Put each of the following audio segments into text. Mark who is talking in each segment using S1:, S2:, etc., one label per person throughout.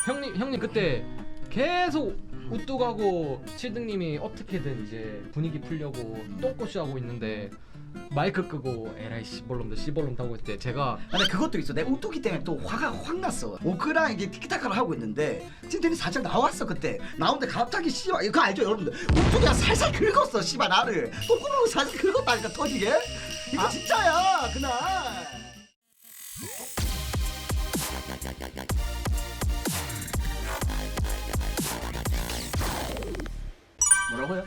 S1: 형님 그때 계속 우뚝하고 7등님이 어떻게든 이제 분위기 풀려고 똥꼬쇼 하고 있는데 마이크 끄고 에라이 씨벌놈들 씨벌놈 하고 있을 때 제가
S2: 근데 그것도 있어. 내가 우뚝이 때문에 또 화가 확 났어. 오크랑 이게 티키타카를 하고 있는데 찐텐이 살짝 나왔어 그때. 나오는데 갑자기 씨발 이거 알죠 여러분들? 우뚝이가 살살 긁었어 씨발 나를. 똥구멍을 살살 긁었다니까 터지게. 이거 진짜야 그날.
S3: 뭐라고요?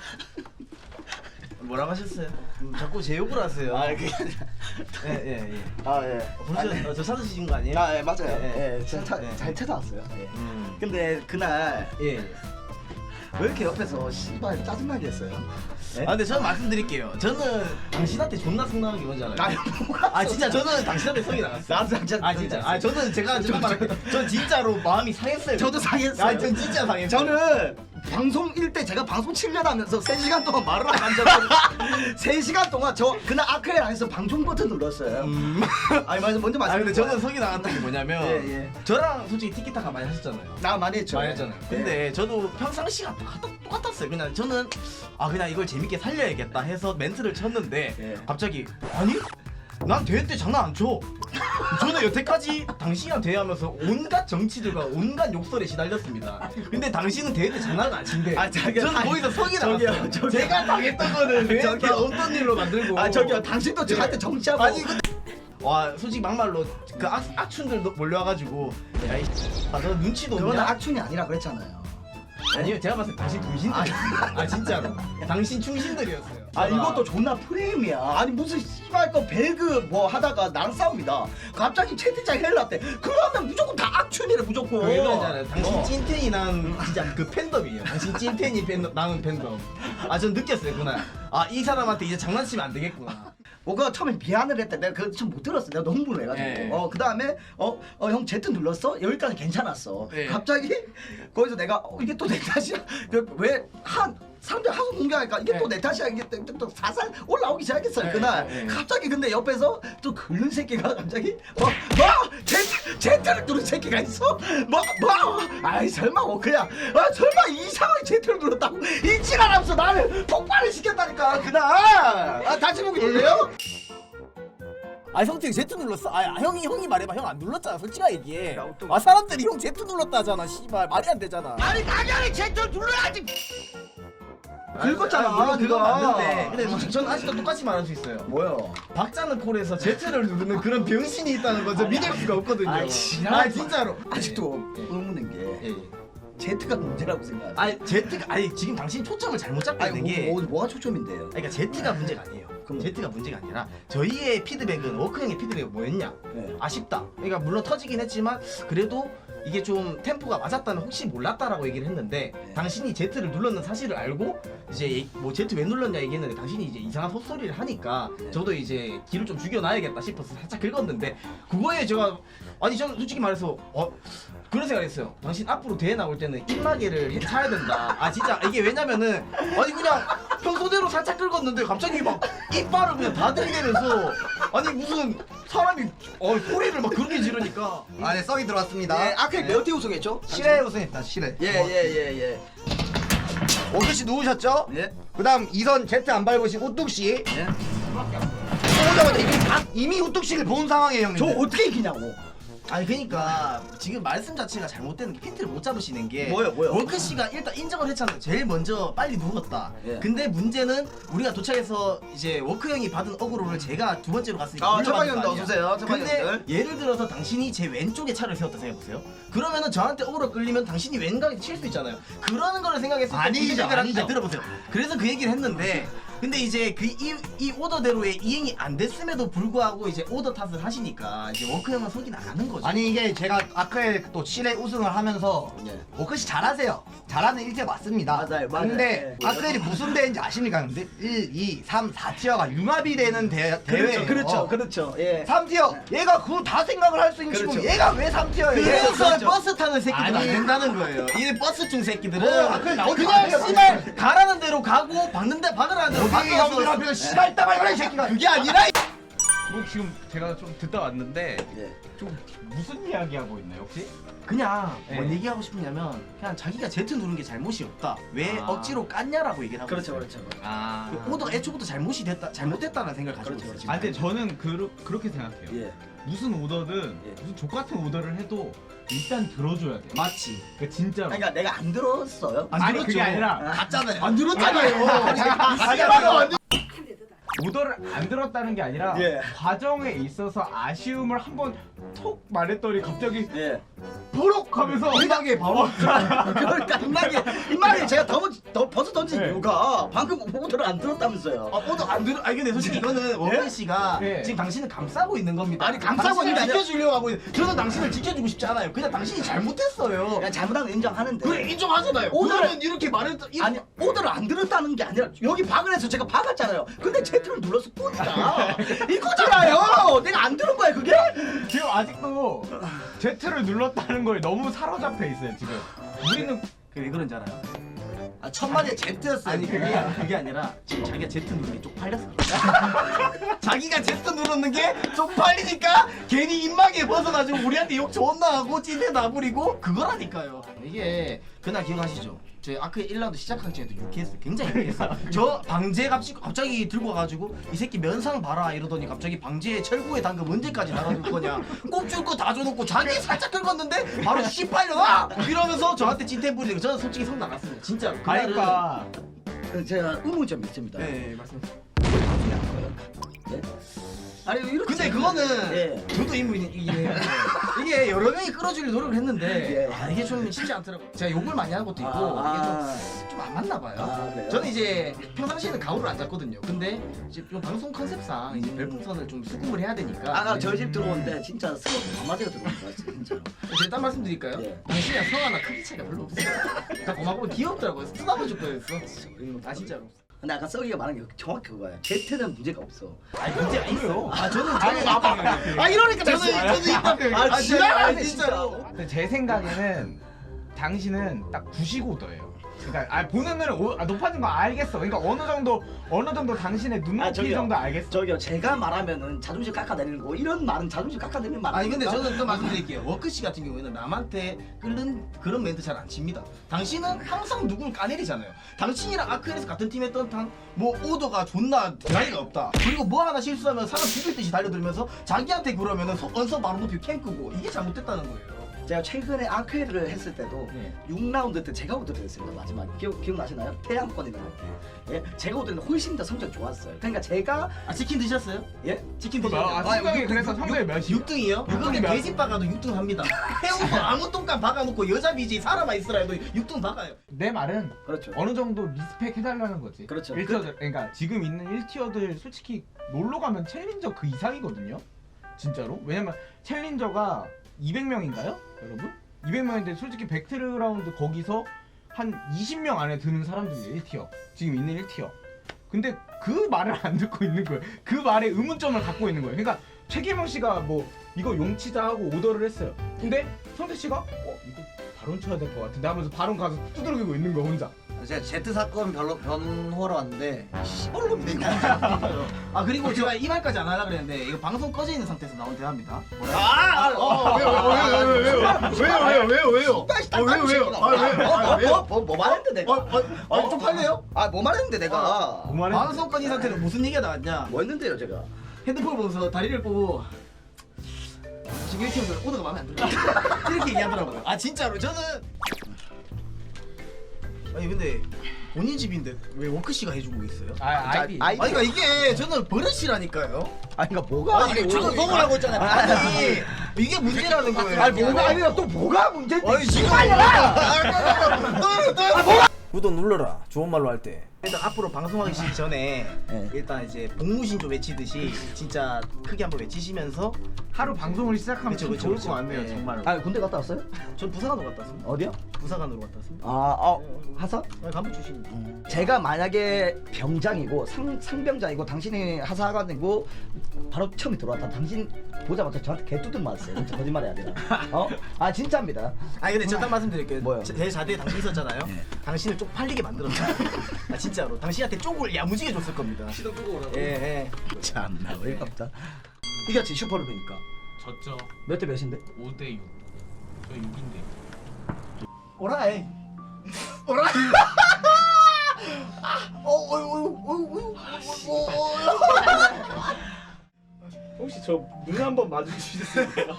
S3: 뭐라고 하셨어요? 자꾸 제 욕을 하세요.
S2: 아 그게 아니라.
S3: 예예예.
S2: 아 예.
S3: 벌써 저 찾으신 거 아니에요?
S2: 아 예 맞아요.
S3: 예,
S2: 예, 잘
S3: 예.
S2: 찾아왔어요. 예.
S3: 음.
S2: 근데 그날
S3: 예.
S2: 왜 이렇게 옆에서 씨발 짜증나게 했어요? 예?
S3: 아 근데 저는 말씀드릴게요. 저는 당신한테 존나 성나는 게 뭔지 알아요?
S2: 아니 뭐가
S3: 아 진짜 저는 당신한테 성이 나갔어요.
S2: 나도 진짜
S3: 아 진짜. 아 저는 제가 정말 말할게요. 전 진짜로 마음이 상했어요.
S2: 저도 상했어요.
S3: 아 전 진짜 상했어요.
S2: 저는 방송일 때 제가 방송 7년 하면서 3시간 동안 말을 안 한 적은 3시간 동안 저 그날 아크엘 안에서 방송 버튼 눌렀어요. 아니 맞아 먼저
S3: 아
S2: 말씀.
S3: 근데 저는 성이 나갔던 게 뭐냐면
S2: 예.
S3: 저랑 솔직히 티키타카 많이 하셨잖아요.
S2: 나 많이 했죠.
S3: 많이 했잖아요. 근데 저도 평상시가 똑같았어요. 그냥 저는 그냥 이걸 재밌게 살려야겠다 해서 멘트를 쳤는데
S2: 예.
S3: 갑자기 아니? 난 대회 때 장난 안 쳐. 저는 여태까지 당신이랑 대회하면서 온갖 정치들과 온갖 욕설에 시달렸습니다. 근데 당신은 대회 때 장난을 안 친대.
S2: 아, 자기가
S3: 저는 거기서 성이
S2: 저기요,
S3: 나갔어요.
S2: 저기요.
S3: 제가 당했던 거는 왜
S2: 저기요.
S3: 다 없던 일로 만들고.
S2: 아 저기요 당신도 저한테 정치하고
S3: 아니 근데 와 솔직히 막말로 그 악춘들 몰려와가지고 야이 저 눈치도
S2: 그건
S3: 없냐?
S2: 악춘이 아니라 그랬잖아요.
S3: 아니요 제가 봤을 때 당신 충신들 아 진짜로 당신 충신들이었어요.
S2: 아 이것도 존나 프레임이야. 아니 무슨 씨발 거 배그 뭐 하다가 나랑 싸웁니다. 갑자기 채팅창 헬라때 그러면 무조건 다 악춘이래 무조건.
S3: 왜 그러잖아요. 당신
S2: 어.
S3: 찐텐이 난 진짜 그 팬덤이에요. 당신 찐텐이 팬덤 나는 팬덤. 아 전 느꼈어요 그날. 아 이 사람한테 이제 장난치면 안 되겠구나.
S2: 뭐가 처음에 미안을 했대. 내가 그거 좀 못 들었어. 내가 너무 흥분해가지고.
S3: 예.
S2: 그 다음에 형 Z 눌렀어? 여기까지 괜찮았어.
S3: 예.
S2: 갑자기 거기서 내가 이게 또 내 탓이야. 왜한 사람들 하소 공개하니까 이게
S3: 예.
S2: 또 내 탓이야. 이게 또 사살 올라오기 시작했어요.
S3: 예,
S2: 그날
S3: 예, 예.
S2: 갑자기 근데 옆에서 또 긁는 새끼가 갑자기 Z를 누른 새끼가 있어? 아이 설마 그냥 설마 이상하게 Z를 눌렀다고 이 지랄하면서 나를 폭발을 시켰다니까 그날. 다시 보기 놀래요?
S4: 아 형님 Z 눌렀어? 아 형이 말해봐. 형 안 눌렀잖아. 솔직하게 얘기해.
S2: 야, 또-
S4: 아 사람들이 형 Z 눌렀다 하잖아. 씨발 말이 안 되잖아.
S2: 아니 당연히 Z를 눌러야지. 긁었잖아,
S3: 아니, 물론 그건
S2: 네가.
S3: 맞는데 근데 솔직히 저는 아직도 똑같이 말할 수 있어요.
S2: 뭐요?
S3: 박자는 콜에서 Z를 누르는 그런 병신이 있다는 거죠. 믿을 수가 없거든요.
S2: 아이, 지랄하지
S3: 아 진짜로.
S2: 아직도 의문인 게
S3: 예.
S2: Z가 문제라고 생각해.
S3: 아니 Z가 아니 지금 당신 초점을 잘못 잡고 있는 게
S2: 뭐가 초점인데요?
S3: 그러니까 Z가 문제가 아니에요.
S2: 그럼-
S3: Z가 문제가 아니라 저희의 피드백은 워크 형의 피드백은 뭐였냐?
S2: 네.
S3: 아쉽다. 그러니까 물론 터지긴 했지만 그래도 이게 좀 템포가 맞았다는 혹시 몰랐다라고 얘기를 했는데 당신이 Z를 눌렀는 사실을 알고 이제 뭐 Z 왜 눌렀냐 얘기했는데 당신이 이제 이상한 헛소리를 하니까 저도 이제 기를 좀 죽여놔야겠다 싶어서 살짝 긁었는데 그거에 제가 아니 저는 솔직히 말해서 그런 생각했어요. 당신 앞으로 대회 나올 때는 입마개를 차야 된다. 아 진짜 이게 왜냐면은 아니 그냥 평소대로 살짝 긁었는데 갑자기 막 이빨을 그냥 다 들이대면서 아니 무슨 사람이 소리를 막 그렇게 지르니까
S5: 네, 썩이 들어왔습니다.
S2: 예, 아크릴 몇 대 우승했죠?
S5: 실내 우승했다, 실내.
S2: 예예예.
S5: 오뚜씨 누우셨죠?
S2: 예.
S5: 그 다음 2선 Z 안 밟으신 오뚜씨.
S2: 예.
S5: 오자마자 이미 오뚜씨를 본 상황이에요, 형님.
S2: 저 어떻게 이기냐고.
S3: 아니 그러니까 지금 말씀 자체가 잘못되는 게 핀트를 못 잡으시는 게
S2: 뭐요?
S3: 월크 씨가 일단 인정을 했잖아요. 제일 먼저 빨리 누웠다.
S2: 예.
S3: 근데 문제는 우리가 도착해서 이제 워크 형이 받은 어그로를 제가 두 번째로 갔으니까
S2: 아,
S3: 물려받은
S2: 첫방형도
S3: 거 아니야.
S2: 어서오세요.
S3: 근데
S2: 첫방형들.
S3: 예를 들어서 당신이 제 왼쪽에 차를 세웠다 생각해보세요. 그러면은 저한테 어그로 끌리면 당신이 왼각에 칠 수 있잖아요. 그러는 거를 생각했을 때
S5: 아니죠, 아니죠.
S3: 들어보세요. 그래서 그 얘기를 했는데 근데 이제 이 오더대로의 이행이 안 됐음에도 불구하고 이제 오더 탓을 하시니까 이제 워크 형은 속이 나가는 거죠.
S5: 아니 이게 제가 아크엘 또 실내 우승을 하면서
S2: 예.
S5: 워크씨 잘하세요. 잘하는 일제 맞습니다.
S2: 맞아요.
S5: 근데
S2: 예.
S5: 아크엘이 무슨 대회인지 아십니까? 근데 1, 2, 3, 4티어가 융합이 되는 대회예요.
S2: 그렇죠. 예.
S5: 3티어 얘가 그거 다 생각을 할 수 있는
S2: 그렇죠.
S5: 친구 얘가 왜 3티어예요?
S3: 그래서 버스 타는 새끼들은 안
S5: 아니.
S3: 된다는 거예요. 이 버스충 새끼들은
S5: 아크엘 나오지
S3: 그냥
S5: 마세요.
S3: 씨발 가라는 대로 가고 박는데 박으라는 대로
S5: 여기 형들
S3: 박아서
S5: 앞에서 씨발 따발 거라 이 새끼가
S3: 그게 아니라
S6: 뭐 지금 제가 좀 듣다 왔는데
S2: 예.
S6: 좀 무슨 이야기 하고 있나요 혹시?
S3: 그냥
S6: 네.
S3: 뭔 얘기하고 싶으냐면 그냥 자기가 Z 누른 게 잘못이 없다. 왜
S6: 아.
S3: 억지로 깠냐라고 얘기를 하고
S2: 그렇죠,
S3: 있어요.
S2: 그렇죠.
S6: 아.
S3: 오더가 애초부터 잘못됐다는 생각을 가지고
S2: 그렇죠,
S3: 있어요.
S2: 그렇죠.
S6: 아 근데 저는 그렇게 생각해요.
S2: 예.
S6: 무슨 오더든
S2: 예.
S6: 무슨 족 같은 오더를 해도 일단 들어줘야 돼.
S3: 맞지.
S6: 그러니까 진짜로.
S2: 그러니까 내가 안 들었어요.
S6: 아니 그게 아니라
S3: 갔잖아요. 안 들었잖아요.
S6: 오더를 안 들었다는 게 아니라
S2: 예.
S6: 과정에 있어서 아쉬움을 한번 톡 말했더니 갑자기
S2: 예.
S6: 보록 하면서
S3: 이상하게 바로
S2: 그러니까 이말이 제가 벗어 던진
S6: 네.
S2: 이유가 방금 오더를 안 들었다면서요.
S3: 오더 안 들어. 아니 근데 솔직히 이거는 원근 씨가
S6: 예.
S3: 지금 당신을 감싸고 있는 겁니다.
S2: 아니, 감싸고 있는 게 아니라-
S3: 지켜주려고 하고 있는. 저는 당신을 지켜주고 싶지 않아요. 그냥 당신이 잘못했어요.
S2: 그냥 잘못한 거 인정하는데.
S3: 그래 인정하잖아요. 오늘은 이렇게 말했다.
S2: 아니 오더를 안 들었다는 게 아니라 여기 박을 해서 제가 박았잖아요. 근데 Z를 눌렀을 뿐이다. 이거잖아요. 내가 안 들은 거야 그게?
S6: 지금 아직도 Z를 눌렀다는 거에 너무 사로잡혀 있어요 지금. 우리는
S3: 왜 그런지 알아요?
S2: 아 천만에 Z였어요.
S3: 아니 그게 아니라 지금 자기가 Z 누르는 게 쪽팔려서 그래. 자기가 Z 누르는 게 쪽팔리니까 괜히 입마개 벗어가지고 우리한테 욕 존나 하고 찐해 나부리고 그거라니까요. 이게 그날 기억하시죠? 저희 아크 1라운드 시작한 전에도 유쾌했어요. 굉장히 유쾌했어요. 저 방제 갑자기 들고 와가지고 이 새끼 면상 봐라 이러더니 갑자기 방제 철구에 당근 언제까지 나가줄 거냐 꼽줄 거 다 줘놓고 자기 살짝 긁었는데 바로 씨발려나 이러면서 저한테 찐템 부리는 거 저는 솔직히 성 나갔습니다. 진짜로. 그날은
S6: 그러니까
S2: 제가 의문점이 있습니다.
S3: 네 말씀하세요.
S2: 네? 아니 이렇게
S3: 근데 그거는
S2: 예.
S3: 저도 인물이긴 해요. 이게 여러 명이 끌어주려 노력을 했는데
S2: 예.
S3: 아, 이게 좀 쉽지 않더라고요. 제가 욕을 많이 한 것도 있고 이게 좀 안 맞나 봐요.
S2: 아, 그래요?
S3: 저는 이제 평상시에는 가오를 안 잡거든요. 근데 이제 좀 방송 컨셉상 이제 별풍선을 좀 수긍을 해야 되니까
S2: 아까 저희 집 들어오는데 진짜 스모크 반마디가 들어온 거 같아요 진짜로.
S3: 제가 딴 말씀 드릴까요?
S2: 예.
S3: 당신이랑 성 하나 크기 차이가 별로 없어요. 다 고맙고 귀엽더라고요. 쓰다보줄 거였어. 아 진짜로.
S2: 근데 아까 썩이가 말한 게 정확히 그거예요. Z는 문제가 없어.
S3: 아니 문제가 있어. 아 저는
S2: 아 이러니까
S3: 저는 있다고요.
S2: 아 지랄하네
S3: 진짜로.
S2: 진짜.
S6: 근데 제 생각에는 당신은 딱 95도예요. 그러니까 보는 눈은 높아진 거 알겠어. 그러니까 어느 정도 당신의 눈높이
S2: 아, 저기요.
S6: 정도 알겠어.
S2: 저기요 제가 말하면은 자존심 깎아내리는 거 이런 말은 자존심 깎아내리는 말
S3: 아니 근데
S2: 아닙니까?
S3: 저는 또 말씀드릴게요. 워크 씨 같은 경우에는 남한테 끓는 그런 멘트 잘 안 칩니다. 당신은 항상 누굴 까내리잖아요. 당신이랑 아크에서 같은 팀 했던 뭐 오더가 존나 대가리가 없다. 그리고 뭐 하나 실수하면 사람 죽일 듯이 달려들면서 자기한테 그러면은 언성 바로 높이고 캠 끄고 이게 잘못됐다는 거예요.
S2: 제가 최근에 아크를 했을 때도
S6: 네.
S2: 6라운드 때 제가 우드를 했습니다. 마지막 기억나시나요? 태양권이라고. 예? 제가 우드는 훨씬 더 성적 좋았어요. 그러니까 제가
S3: 아 치킨 드셨어요?
S2: 예?
S3: 치킨 드셨어요?
S6: 성적이 그래서 성적이 몇이요?
S3: 6등이요? 그거는
S6: 몇?
S3: 돼지 박아도 6등 합니다. 해운도 아무 똥감 박아놓고 여자 BJ 살아만 있으라 해도 6등 박아요.
S6: 내 말은
S2: 그렇죠.
S6: 어느 정도 리스펙 해달라는 거지.
S2: 그렇죠.
S6: 1티어들 그러니까 지금 있는 1티어들 솔직히 놀러 가면 챌린저 그 이상이거든요. 진짜로. 왜냐면 챌린저가 200명인가요, 여러분? 200명인데 솔직히 백트라운드 거기서 한 20명 안에 드는 사람들이 1티어. 지금 있는 1티어. 근데 그 말을 안 듣고 있는 거예요. 그 말에 의문점을 갖고 있는 거예요. 그러니까 최기명 씨가 뭐 이거 용치자 하고 오더를 했어요. 근데 성태 씨가 이거 발언 쳐야 될 것 같은데 하면서 발언 가서 두드러기고 있는 거야 혼자.
S4: 제가 Z 사건 변호하러 왔는데
S3: 아 그리고 제가 이 말까지 안 하려고 그랬는데 이거 방송 꺼져 있는 상태에서 나온 대화입니다.
S2: 뭐 말했는데 내가?
S3: 좀 팔래요?
S2: 뭐 말했는데 내가?
S6: 그 말에
S3: 방송 꺼진 상태로 무슨 얘기가 나왔냐?
S2: 뭐 했는데요 제가?
S3: 핸드폰 보면서 다리를 보고 지금 1팀에서 오더가 마음에 안 들어 이렇게 얘기하더라고요. 아 진짜로 저는 아니 근데 본인 집인데 왜 워크 씨가 해주고 있어요?
S6: 아이디.
S2: 아이-
S3: 아니 그러니까 이게 저는 버릇이라니까요.
S2: 아니 그러니까 뭐가?
S3: 아니 저는 성을 고 있잖아요. 아니 이게 문제라는 거예요.
S2: 아니 뭐가 아니라 또 뭐가 문제인데?
S3: 아니 지금
S4: 구독 눌러라. 좋은 말로 할 때.
S3: 일단 앞으로 방송하기 전에
S2: 네.
S3: 일단 이제 복무신조 외치듯이 진짜 크게 한번 외치시면서
S6: 하루 방송을 시작하면
S3: 그쵸,
S6: 참
S3: 그쵸,
S6: 좋을
S3: 그쵸.
S6: 것 같네요,
S3: 네.
S6: 정말로.
S2: 아 군대 갔다 왔어요?
S3: 전 부사관으로 갔다 왔습니다.
S2: 어디요?
S3: 부사관으로 갔다 왔습니다.
S2: 하사?
S3: 간부 출신입니다.
S2: 제가 만약에 병장이고 상병장이고 당신이 하사관이고 바로 처음에 들어왔다. 당신 보자마자 저한테 개뚜둥 맞았어요. 진짜 거짓말이 아니라. 아 진짜입니다.
S3: 아니 근데 저 딱 말씀드릴게요.
S2: 뭐요?
S3: 대자대에 당신 있었잖아요. 당신을 쪽팔리게 만들었어요. 아, 진짜로 당신한테 쪽을 야무지게 줬을 겁니다.
S1: 시동 끄고 오라고.
S3: 예.
S2: 참나 어이가 없다. 이겼지 슈퍼루비니까.
S6: 졌죠.
S2: 몇 대 몇인데?
S6: 5대 6. 저 6인데.
S3: 오라이. 오라이.
S7: 혹시 저 눈 한번 마주치셨어요?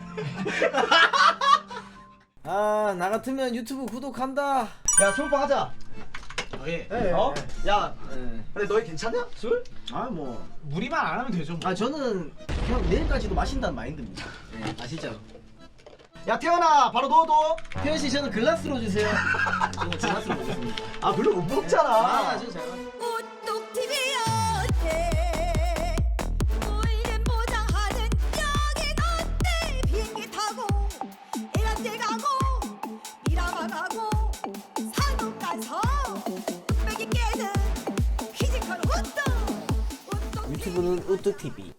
S4: 아 나 같으면 유튜브 구독한다.
S2: 야 술빵 하자.
S3: 예.
S2: 어? 야 근데 너희 괜찮냐? 술?
S3: 아 뭐.
S6: 무리만 안 하면 되죠. 뭐.
S3: 아 저는 그냥 내일까지도 마신다는 마인드입니다. 예. 아시죠?
S2: 야 태연아 바로 넣어둬.
S3: 태현 씨 저는 글라스로 주세요. 저는 글라스로 먹겠습니다.
S2: 아 별로 못 먹잖아.
S3: 저 잘.
S8: 우뚝 TV였대 울린 보장하는 여긴 어때 비행기 타고 이란데 가고 미라마 가고 산업 가서 뚝배기 깨는 피지컬 우뚝
S4: 유튜브는 우뚝 TV.